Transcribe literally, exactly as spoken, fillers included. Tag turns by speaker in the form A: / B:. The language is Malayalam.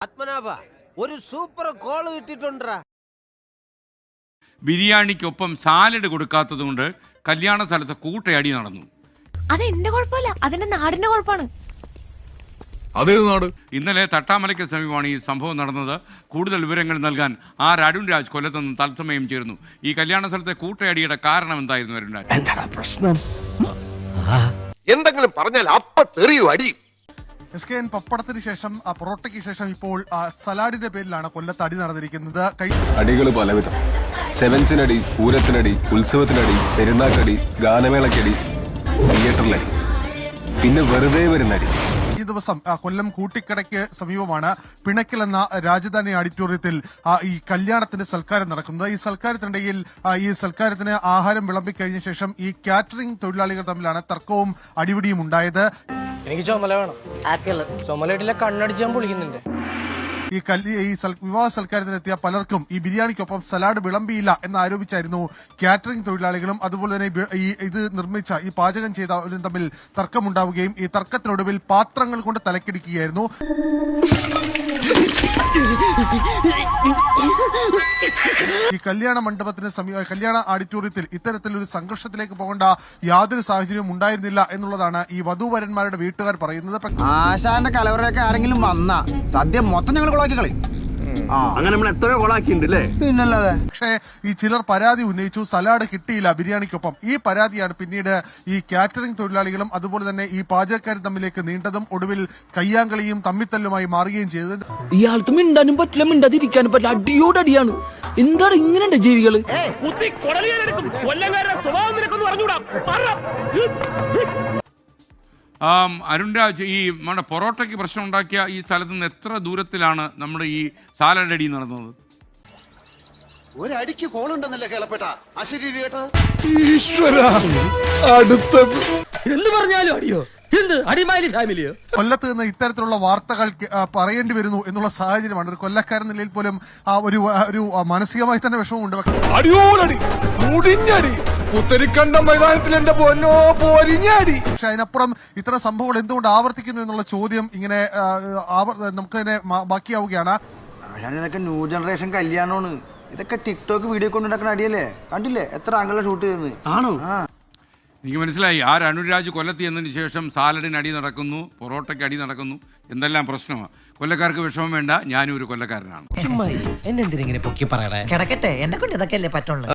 A: പത്മനാഭ ഒരു സൂപ്പർ കോൾ കിട്ടിട്ടുണ്ടാ.
B: ബിരിയാണിക്കൊപ്പം സാലഡ് കൊടുക്കാത്തത് കൊണ്ട് കല്യാണ സ്ഥലത്ത് കൂട്ടയടി നടന്നു.
C: അത് എന്റെ കുഴപ്പമില്ല, അതിന്റെ നാടിന്റെ കുഴപ്പമാണ്.
D: അതേത് നാട്?
B: ഇന്നലെ തട്ടാമലയ്ക്ക് സമീപമാണ് ഈ സംഭവം നടന്നത്. കൂടുതൽ വിവരങ്ങൾ നൽകാൻ ആർ അരുൺ രാജ് കൊല്ലത്ത് നിന്ന് തത്സമയം ചേർന്നു. ഈ കല്യാണ സ്ഥലത്തെ കൂട്ടയടിയുടെ കാരണം എന്തായിരുന്നു അരുൺ രാജ്?
A: എന്താ പ്രശ്നം?
E: എന്തെങ്കിലും പറഞ്ഞാൽ അപ്പ തെറിയും അടി.
F: എസ് കെ എൻ പപ്പടത്തിന് ശേഷം പൊറോട്ടയ്ക്ക് ശേഷം ഇപ്പോൾ സലാഡിന്റെ പേരിലാണ് കൊല്ലത്ത് അടി നടന്നിരിക്കുന്നത്.
D: അടികൾ പലവിധം. സെവൻസിനടി, പൂരത്തിനടി, ഉത്സവത്തിനടി, പെരുന്നാക്കടി, ഗാനമേളക്കടി, തിയേറ്ററിലടി, പിന്നെ വെറുതെ വരുന്നടി.
F: ഈ ദിവസം കൊല്ലം കൂട്ടിക്കടയ്ക്ക് സമീപമാണ് പിണക്കൽ എന്ന രാജധാനി ഓഡിറ്റോറിയത്തിൽ ഈ കല്യാണത്തിന്റെ സൽക്കാരം നടക്കുന്നത്. ഈ സൽക്കാരത്തിനിടയിൽ ഈ സൽക്കാരത്തിന് ആഹാരം വിളമ്പിക്കഴിഞ്ഞ ശേഷം ഈ കാറ്ററിംഗ് തൊഴിലാളികൾ തമ്മിലാണ് തർക്കവും അടിപിടിയും ഉണ്ടായത്.
G: എനിക്ക് ചുമല വേണം. ചുമലയിട്ടില്ല, കണ്ണടിച്ചാൻ പൊളിക്കുന്നുണ്ട്.
F: ഈ ഈ വിവാഹ സൽക്കാരത്തിനെത്തിയ പലർക്കും ഈ ബിരിയാണിക്കൊപ്പം സലാഡ് വിളമ്പിയില്ല എന്ന് ആരോപിച്ചായിരുന്നു കാറ്ററിംഗ് തൊഴിലാളികളും അതുപോലെ തന്നെ ഈ ഇത് നിർമ്മിച്ച ഈ പാചകം ചെയ്തവരും തമ്മിൽ തർക്കമുണ്ടാവുകയും ഈ തർക്കത്തിനൊടുവിൽ പാത്രങ്ങൾ കൊണ്ട് തലക്കിടിക്കുകയായിരുന്നു. ഈ കല്യാണ മണ്ഡപത്തിന് സമീപ കല്യാണ ഓഡിറ്റോറിയത്തിൽ ഇത്തരത്തിലൊരു സംഘർഷത്തിലേക്ക് പോകേണ്ട യാതൊരു സാഹചര്യവും ഉണ്ടായിരുന്നില്ല എന്നുള്ളതാണ് ഈ വധൂവരന്മാരുടെ വീട്ടുകാർ പറയുന്നത്.
H: ആശാന്റെ കലവറയൊക്കെ ആരെങ്കിലും വന്നാ സദ്യ മൊത്തം ഞങ്ങൾ കൊളാക്കി കളി. അങ്ങനെ നമ്മൾ എത്രയോ കൊളാക്കിണ്ടല്ലേ. പിന്നല്ലാതെ.
F: പക്ഷേ ഈ ചിലർ പരാതി ഉന്നയിച്ചു, സലാഡ് കിട്ടിയില്ല ബിരിയാണിക്കൊപ്പം. ഈ പരാതിയാണ് പിന്നീട് ഈ കാറ്ററിംഗ് തൊഴിലാളികളും അതുപോലെ തന്നെ ഈ പാചകക്കാരും തമ്മിലേക്ക് നീണ്ടതും ഒടുവിൽ കയ്യാങ്കളിയും തമ്മിത്തല്ലുമായി മാറുകയും ചെയ്തത്.
I: ഇയാൾക്ക് മിണ്ടാനും പറ്റില്ല, മിണ്ടാതിരിക്കാനും പറ്റില്ല, അടിയോടടിയാണ്. എന്താണ് ഇങ്ങനെ ജീവികള്?
B: അരുൺ രാജ്, ഈ നമ്മുടെ പൊറോട്ടയ്ക്ക് പ്രശ്നം ഉണ്ടാക്കിയ ഈ സ്ഥലത്ത് നിന്ന് എത്ര ദൂരത്തിലാണ് നമ്മുടെ ഈ സാലഡ് അടി നടന്നത്?
E: ഒരടിക്ക് കോളുണ്ടെന്നല്ലേ കേളപ്പെട്ട അശരീരി കേട്ട
I: അടുത്തത് എന്ത് പറഞ്ഞാലും അടിയോ? എന്ത് അടിമാലി ഫാമിലിയോ?
F: കൊല്ലത്ത് നിന്ന് ഇത്തരത്തിലുള്ള വാർത്തകൾ പറയേണ്ടി വരുന്നു എന്നുള്ള സാഹചര്യമാണ്. ഒരു കൊല്ലക്കാരൻ നിലയിൽ പോലും ആ ഒരു ഒരു മാനസികമായി തന്നെ വിഷമമുണ്ട്.
D: പുത്തരിക്കണ്ട മൈതാനത്തിൽ എന്റെ പൊന്നോ പോരിഞ്ഞാടി.
F: പക്ഷെ അതിനപ്പുറം ഇത്തരം സംഭവങ്ങൾ എന്തുകൊണ്ട് ആവർത്തിക്കുന്നു എന്നുള്ള ചോദ്യം ഇങ്ങനെ നമുക്ക് തന്നെ ബാക്കിയാവുകയാണ്.
H: ഇതൊക്കെ ന്യൂ ജനറേഷൻ കല്യാണമാണ്. ഇതൊക്കെ ടിക്ടോക്ക് വീഡിയോ കൊണ്ടുണ്ടാക്കുന്ന അടിയല്ലേ? കണ്ടില്ലേ എത്ര ആംഗിള ഷൂട്ട് ചെയ്തെന്ന്? ആണോ?
B: എനിക്ക് മനസ്സിലായി. ആർ അനുരാജ് കൊല്ലത്ത് എന്നതിന് ശേഷം സാലഡിന് അടി നടക്കുന്നു, പൊറോട്ടയ്ക്ക് അടി നടക്കുന്നു, എന്തെല്ലാം പ്രശ്നമാണ്. കൊല്ലക്കാർക്ക് വിഷമം വേണ്ട, ഞാനും ഒരു കൊല്ലക്കാരനാണ്.
I: എന്നെ എന്തിനെ പൊക്കി പറയണേ?
A: കിടക്കട്ടെ, എന്നെ കൊണ്ട് ഇതൊക്കെ അല്ലേ പറ്റുള്ളൂ.